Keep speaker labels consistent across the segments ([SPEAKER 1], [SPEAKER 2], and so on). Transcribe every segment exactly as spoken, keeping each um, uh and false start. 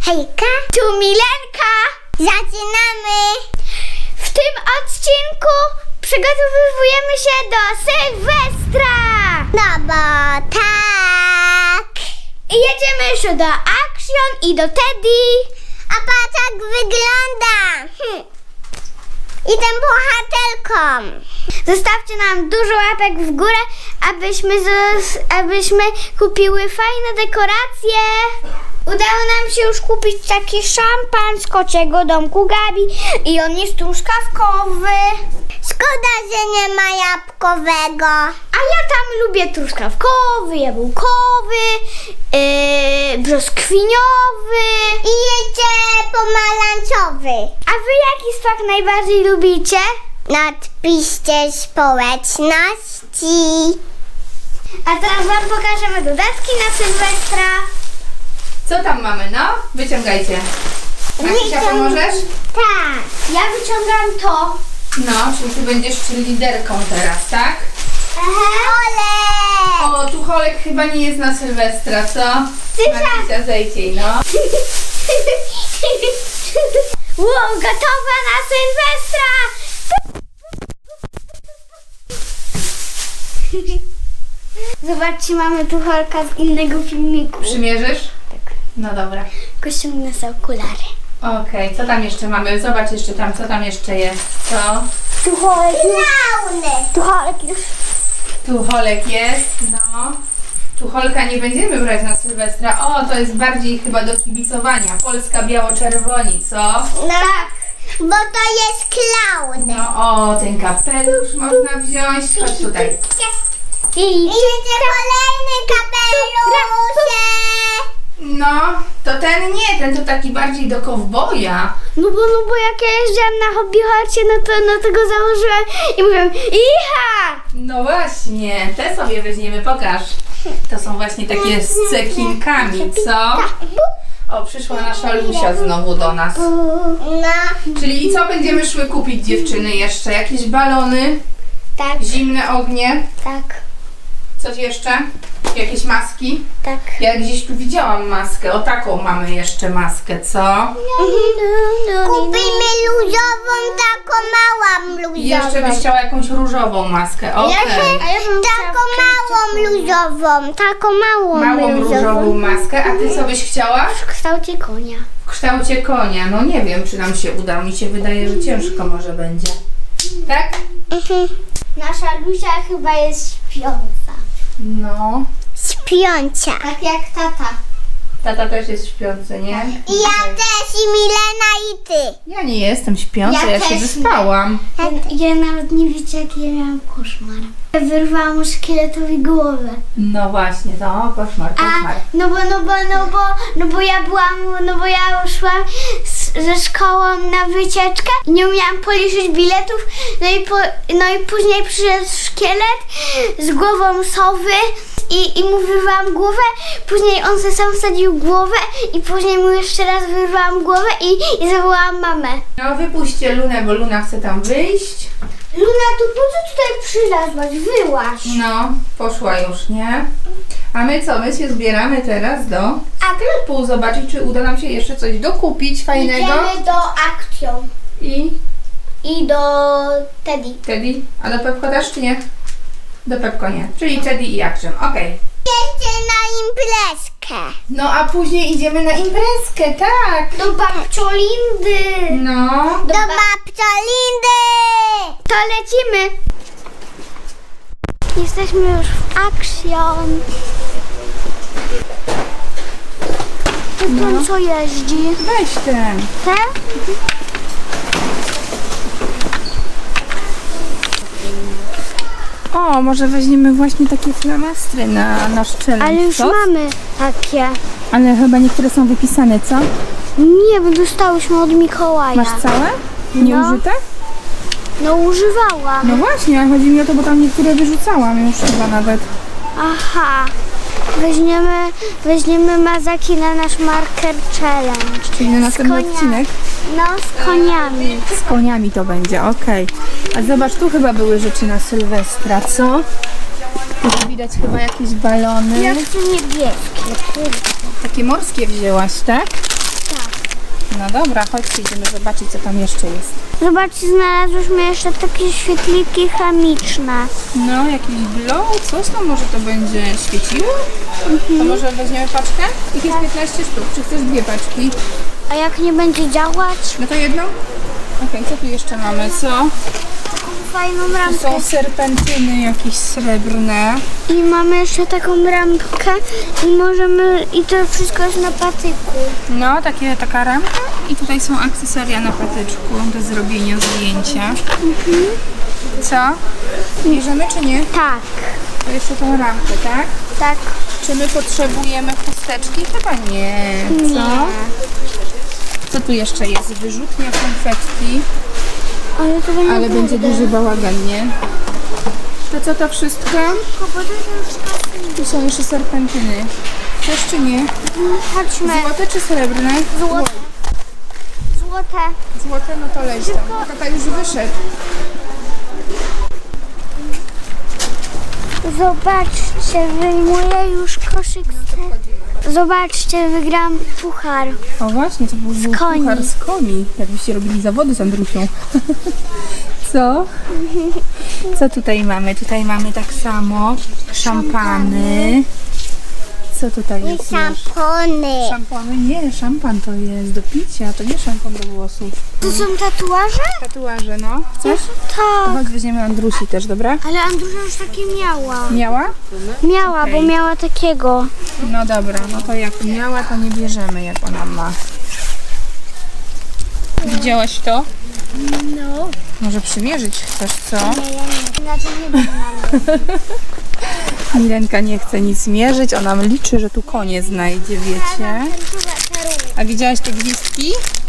[SPEAKER 1] Hejka, tu Milenka. Zaczynamy. W tym odcinku przygotowujemy się do Sylwestra. No bo tak. I jedziemy jeszcze do Action i do Teddy. A patrz jak wygląda. Hm. Idę bohaterką. Zostawcie nam dużo łapek w górę, abyśmy, zos- abyśmy kupiły fajne dekoracje. Udało nam się już kupić taki szampan z kociego domku Gabi i on jest truskawkowy. Szkoda, że nie ma jabłkowego. A ja tam lubię truskawkowy, jabłkowy, yy, brzoskwiniowy i jeszcze pomarańczowy. A wy jaki smak najbardziej lubicie? Napiszcie społeczności. A teraz wam pokażemy dodatki na Sylwestra.
[SPEAKER 2] Co tam mamy, no? Wyciągajcie. Marysia, pomożesz?
[SPEAKER 1] Tak. Ja wyciągam to.
[SPEAKER 2] No, czyli ty będziesz liderką teraz, tak?
[SPEAKER 1] Ole!
[SPEAKER 2] O, tu Holek chyba nie jest na Sylwestra, co?
[SPEAKER 1] Sylwia.
[SPEAKER 2] Marysia, zejdź jej, no.
[SPEAKER 1] Wow, gotowa na Sylwestra! Zobaczcie, mamy tu Holka z innego filmiku.
[SPEAKER 2] Przymierzysz?
[SPEAKER 1] Tak.
[SPEAKER 2] No dobra.
[SPEAKER 1] Tylko ściągnę sobie okulary.
[SPEAKER 2] Okej, co tam jeszcze mamy? Zobacz jeszcze tam, co tam jeszcze jest, co?
[SPEAKER 1] Tu Holek już. Tu Holek już.
[SPEAKER 2] Tu Holek jest, no. Tu Holka nie będziemy brać na Sylwestra. O, to jest bardziej chyba do kibicowania. Polska biało-czerwoni, co?
[SPEAKER 1] No. Tak, bo to jest klaun.
[SPEAKER 2] No, o, ten kapelusz można wziąć. Chodź tutaj.
[SPEAKER 1] I jeszcze kolejny kapelusze.
[SPEAKER 2] No, to ten nie, ten to taki bardziej do kowboja.
[SPEAKER 1] No bo, no bo jak ja jeździłam na hobby horsie, no to no to go założyłam i mówiłam iha!
[SPEAKER 2] No właśnie, te sobie weźmiemy, pokaż. To są właśnie takie z cekinkami, co? O, przyszła nasza Lusia znowu do nas.
[SPEAKER 1] No.
[SPEAKER 2] Czyli co będziemy szły kupić, dziewczyny, jeszcze? Jakieś balony,
[SPEAKER 1] Tak,
[SPEAKER 2] zimne ognie,
[SPEAKER 1] tak,
[SPEAKER 2] coś jeszcze? Jakieś maski?
[SPEAKER 1] tak.
[SPEAKER 2] Ja gdzieś tu widziałam maskę, o taką mamy jeszcze maskę, co?
[SPEAKER 1] Kupimy luzową, taką małą luzową.
[SPEAKER 2] I jeszcze byś chciała jakąś różową maskę, okej.
[SPEAKER 1] Taką małą luzową, taką małą,
[SPEAKER 2] Małą różową maskę, a ty co byś chciała?
[SPEAKER 1] W kształcie konia.
[SPEAKER 2] W kształcie konia. No nie wiem, czy nam się uda. Mi się wydaje, że ciężko może będzie. Tak?
[SPEAKER 1] Nasza Lusia chyba jest śpiąca.
[SPEAKER 2] No.
[SPEAKER 1] Śpiąca. Tak jak tata.
[SPEAKER 2] Tata też jest śpiący, nie?
[SPEAKER 1] I ja też, i Milena, i ty.
[SPEAKER 2] Ja nie jestem śpiąca,
[SPEAKER 1] Ja
[SPEAKER 2] ja, się
[SPEAKER 1] też
[SPEAKER 2] wyspałam.
[SPEAKER 1] Ja, ja nawet nie wiecie, jaki ja miałam koszmar. Ja wyrwałam szkieletowi głowę.
[SPEAKER 2] No właśnie, to koszmar,
[SPEAKER 1] A,
[SPEAKER 2] koszmar.
[SPEAKER 1] no bo, no bo, no bo, no bo ja byłam, no bo ja szłam z, ze szkołą na wycieczkę i nie umiałam policzyć biletów, no i, po, no i później przyszedł szkielet z głową sowy i, i mu wyrwałam głowę, później on se sam wsadził głowę i później mu jeszcze raz wyrwałam głowę i, i zawołałam mamę.
[SPEAKER 2] No wypuśćcie Lunę, bo Luna chce tam wyjść.
[SPEAKER 1] Luna, to po co tutaj przylazłaś? Wyłaź.
[SPEAKER 2] No, poszła już, nie? A my co? My się zbieramy teraz do sklepu, zobaczyć, czy uda nam się jeszcze coś dokupić fajnego.
[SPEAKER 1] Idziemy do Action
[SPEAKER 2] I
[SPEAKER 1] i do Teddy.
[SPEAKER 2] Teddy? A do Pepko też, czy nie? Do Pepko nie. Czyli Teddy i Action, okej.
[SPEAKER 1] Jeszcze na imprezkę.
[SPEAKER 2] No a później idziemy na imprezkę, tak.
[SPEAKER 1] Do babciolindy.
[SPEAKER 2] No.
[SPEAKER 1] Do babciolindy. To lecimy. Jesteśmy już w Action. To ten
[SPEAKER 2] No.
[SPEAKER 1] co jeździ?
[SPEAKER 2] Weź ten.
[SPEAKER 1] Ten?
[SPEAKER 2] O, może weźmiemy właśnie takie flamastry na nasz challenge,
[SPEAKER 1] Ale już
[SPEAKER 2] co?
[SPEAKER 1] mamy takie.
[SPEAKER 2] Ale chyba niektóre są wypisane, co?
[SPEAKER 1] Nie, bo dostałyśmy od Mikołaja.
[SPEAKER 2] Masz całe? Nieużyte?
[SPEAKER 1] No używałam.
[SPEAKER 2] No właśnie, ale chodzi mi o to, bo tam niektóre wyrzucałam już chyba nawet.
[SPEAKER 1] Aha. Weźmiemy, weźmiemy mazaki na nasz marker challenge.
[SPEAKER 2] Czyli na następny
[SPEAKER 1] konia-
[SPEAKER 2] odcinek
[SPEAKER 1] No, z koniami.
[SPEAKER 2] z koniami to będzie, okej. A zobacz, tu chyba były rzeczy na Sylwestra, co? Tu widać chyba jakieś balony.
[SPEAKER 1] Ja chcę niebieskie.
[SPEAKER 2] Takie morskie wzięłaś, tak?
[SPEAKER 1] Tak.
[SPEAKER 2] No dobra, chodźcie, idziemy zobaczyć, co tam jeszcze jest.
[SPEAKER 1] Zobaczcie, znalazłyśmy jeszcze takie świetliki chemiczne.
[SPEAKER 2] No, jakiś glow, coś tam może to będzie świeciło? To może weźmiemy paczkę? Ich jest piętnaście sztuk, czy chcesz dwie paczki?
[SPEAKER 1] A jak nie będzie działać?
[SPEAKER 2] No to jedną? Okej, co tu jeszcze mamy, co?
[SPEAKER 1] Taką fajną
[SPEAKER 2] Tu
[SPEAKER 1] ramkę.
[SPEAKER 2] są serpentyny jakieś srebrne.
[SPEAKER 1] I mamy jeszcze taką ramkę i możemy, i to wszystko jest na patyku.
[SPEAKER 2] No, takie, taka ramka i tutaj są akcesoria na patyczku do zrobienia zdjęcia. Co? Bierzemy czy nie?
[SPEAKER 1] Tak,
[SPEAKER 2] To jeszcze tą ramkę, tak?
[SPEAKER 1] tak.
[SPEAKER 2] Czy my potrzebujemy chusteczki? Chyba nie. Co?
[SPEAKER 1] Nie.
[SPEAKER 2] Co tu jeszcze jest? Wyrzutnia konfetti,
[SPEAKER 1] Ale to będzie
[SPEAKER 2] ale będzie duży bałagan, nie? To co to wszystko? Tu są jeszcze serpentyny. Też czy nie?
[SPEAKER 1] Chodźmy.
[SPEAKER 2] Złote czy srebrne?
[SPEAKER 1] Złote. Złote.
[SPEAKER 2] Złote, no to leź tam. Tata już wyszedł.
[SPEAKER 1] Zobaczcie, wyjmuję już koszyk. z- Zobaczcie, wygram puchar.
[SPEAKER 2] O właśnie, to był
[SPEAKER 1] Z koni.
[SPEAKER 2] puchar z koni. Jakbyście robili zawody z Andrusią. Co? Co tutaj mamy? Tutaj mamy tak samo szampany. Co tutaj jest? jeszcze?
[SPEAKER 1] Szampony.
[SPEAKER 2] Szampany? Nie, szampan to jest do picia, to nie szampan do włosów.
[SPEAKER 1] To są tatuaże?
[SPEAKER 2] Tatuaże, no. Chcesz?
[SPEAKER 1] Tak.
[SPEAKER 2] Chodź, weźmiemy Andrusi też, dobra?
[SPEAKER 1] Ale Andrusza już takie miała.
[SPEAKER 2] Miała?
[SPEAKER 1] Miała,
[SPEAKER 2] Okej.
[SPEAKER 1] bo miała takiego.
[SPEAKER 2] No dobra, no to jak miała, to nie bierzemy, jak ona ma. Widziałaś to?
[SPEAKER 1] No.
[SPEAKER 2] Może przymierzyć chcesz, co?
[SPEAKER 1] Nie, ja nie. Inaczej nie będę.
[SPEAKER 2] Milenka nie chce nic mierzyć, ona liczy, że tu konie znajdzie, wiecie? A widziałaś te gwizdki?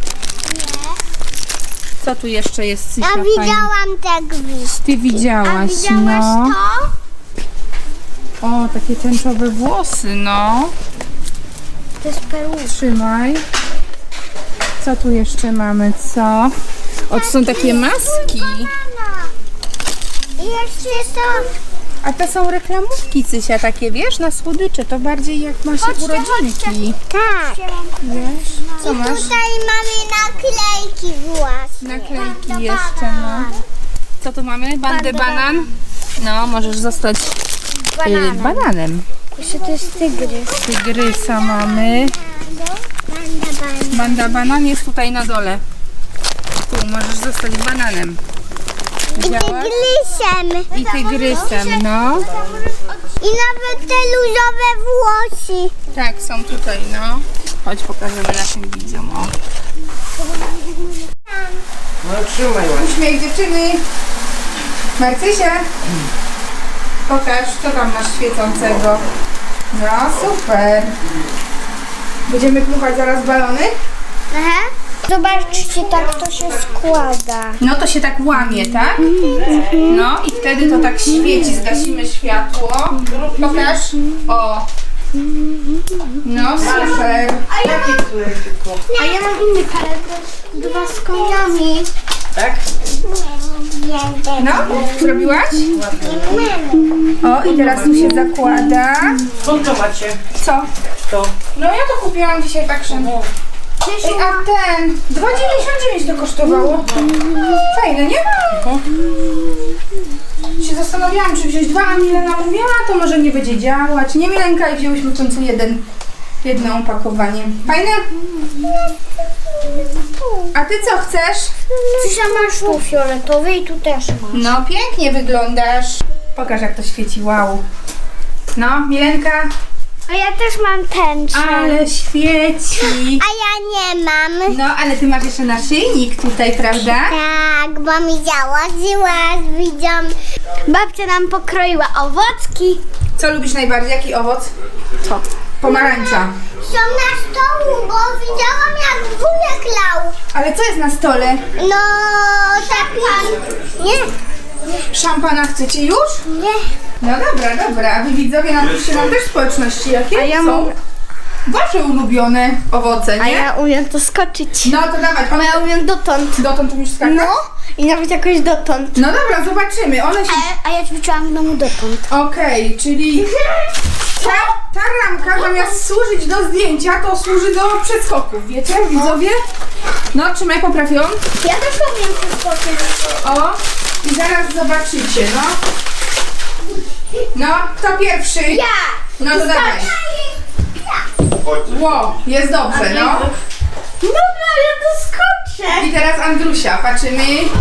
[SPEAKER 2] Co tu jeszcze jest, Cysia?
[SPEAKER 1] Ja
[SPEAKER 2] fajne?
[SPEAKER 1] widziałam te gwizdki.
[SPEAKER 2] Ty widziałaś,
[SPEAKER 1] A widziałaś
[SPEAKER 2] no.
[SPEAKER 1] to?
[SPEAKER 2] O, takie tęczowe włosy, no.
[SPEAKER 1] To jest peruka.
[SPEAKER 2] Trzymaj. Co tu jeszcze mamy, co? O, to są takie maski.
[SPEAKER 1] I jeszcze to.
[SPEAKER 2] A to są reklamówki, Cysia, takie, wiesz, na słodycze. To bardziej jak ma się urodzinki.
[SPEAKER 1] Tak.
[SPEAKER 2] Wiesz? Co masz?
[SPEAKER 1] Tutaj mamy naklejki własne.
[SPEAKER 2] Naklejki jeszcze, no. Co tu mamy? Bandę banan? No, możesz zostać y, bananem.
[SPEAKER 1] Jeszcze to jest tygrys.
[SPEAKER 2] Tygrysa mamy. Banda banan jest tutaj na dole. Tu możesz zostać bananem.
[SPEAKER 1] I
[SPEAKER 2] Widziałaś?
[SPEAKER 1] tygrysem.
[SPEAKER 2] I tygrysem, no.
[SPEAKER 1] I nawet te luzowe włosy.
[SPEAKER 2] Tak, są tutaj, no. Chodź, pokażemy naszym widzom. O.
[SPEAKER 3] No trzymaj ładnie.
[SPEAKER 2] Uśmiech dziewczyny. Marcysia. Pokaż, co tam masz świecącego. No, super. Będziemy dmuchać zaraz balony?
[SPEAKER 1] Aha. Zobaczcie, tak to się składa.
[SPEAKER 2] No to się tak łamie, tak? No i wtedy to tak świeci, zgasimy światło. Pokaż. O. No super.
[SPEAKER 3] Jakie które tylko?
[SPEAKER 1] A ja mam inny kalendar. Dwa z koniami.
[SPEAKER 3] Tak?
[SPEAKER 2] No, zrobiłaś? O, i teraz tu się zakłada.
[SPEAKER 3] Skąd to macie?
[SPEAKER 2] Co?
[SPEAKER 3] To.
[SPEAKER 2] No ja to kupiłam dzisiaj tak szybko. Ej, a ten dwa dziewięćdziesiąt dziewięć to kosztowało. Fajne, nie? Się zastanawiałam, czy wziąć dwa, a Milena mówiła, to może nie będzie działać. Nie, Milenka, i wzięłyśmy w końcu jeden, jedno opakowanie. Fajne? A ty co chcesz?
[SPEAKER 1] Cysia, masz tu fioletowy i tu też masz.
[SPEAKER 2] No, pięknie wyglądasz. Pokaż, jak to świeci, wow. No, Milenka,
[SPEAKER 1] A ja też mam tęczę.
[SPEAKER 2] ale świeci.
[SPEAKER 1] A ja nie mam.
[SPEAKER 2] No, ale ty masz jeszcze naszyjnik tutaj, prawda?
[SPEAKER 1] Tak, bo mi założyła, widzą. Babcia nam pokroiła owocki.
[SPEAKER 2] Co lubisz najbardziej? Jaki owoc? Co? Pomarańcza.
[SPEAKER 1] Są na stołu, bo widziałam jak wujek lał.
[SPEAKER 2] Ale co jest na stole?
[SPEAKER 1] No, taki... Nie,
[SPEAKER 2] Szampana chcecie już?
[SPEAKER 1] nie.
[SPEAKER 2] No dobra, dobra. A wy widzowie napiszcie nam też społeczności, jakie
[SPEAKER 1] A ja
[SPEAKER 2] są
[SPEAKER 1] mam-
[SPEAKER 2] wasze ulubione owoce, nie?
[SPEAKER 1] A ja umiem to skoczyć.
[SPEAKER 2] No to dawać, one
[SPEAKER 1] Ja umiem dotąd.
[SPEAKER 2] dotąd umiesz skakać?
[SPEAKER 1] No, i nawet jakoś dotąd.
[SPEAKER 2] No dobra, zobaczymy. One się...
[SPEAKER 1] A, a ja ćwiczyłam w domu dotąd.
[SPEAKER 2] Okej, czyli ta, ta ramka zamiast służyć do zdjęcia, to służy do przeskoków, wiecie widzowie? No, trzymaj, poprawią.
[SPEAKER 1] Ja też umiem przeskoczyć.
[SPEAKER 2] O, i zaraz zobaczycie, no. No, kto pierwszy?
[SPEAKER 1] Ja!
[SPEAKER 2] No to dawaj. Ło, jest dobrze, no.
[SPEAKER 1] Dobra, ja doskoczę.
[SPEAKER 2] I teraz Andrusia, patrzymy.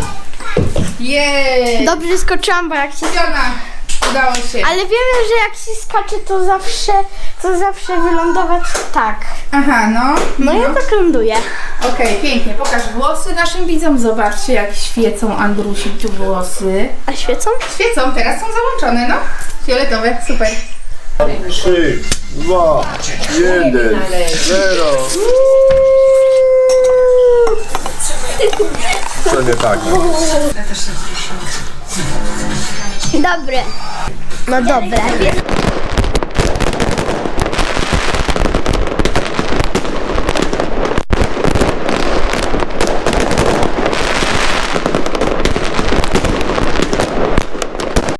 [SPEAKER 2] Jej!
[SPEAKER 1] Dobrze skoczyłam, bo jak się...
[SPEAKER 2] Fiona, udało się.
[SPEAKER 1] Ale wiemy, że jak się skacze, to zawsze, to zawsze wylądować tak.
[SPEAKER 2] Aha, no.
[SPEAKER 1] No ja tak ląduję.
[SPEAKER 2] Okej, pięknie. Pokaż włosy naszym widzom. Zobaczcie, jak świecą Andrusi tu włosy.
[SPEAKER 1] A świecą?
[SPEAKER 2] Świecą, teraz są załączone, no. Fioletowe, super.
[SPEAKER 4] Trzy, dwa, jeden, zero. To nie tak.
[SPEAKER 1] Dobre. No dobre.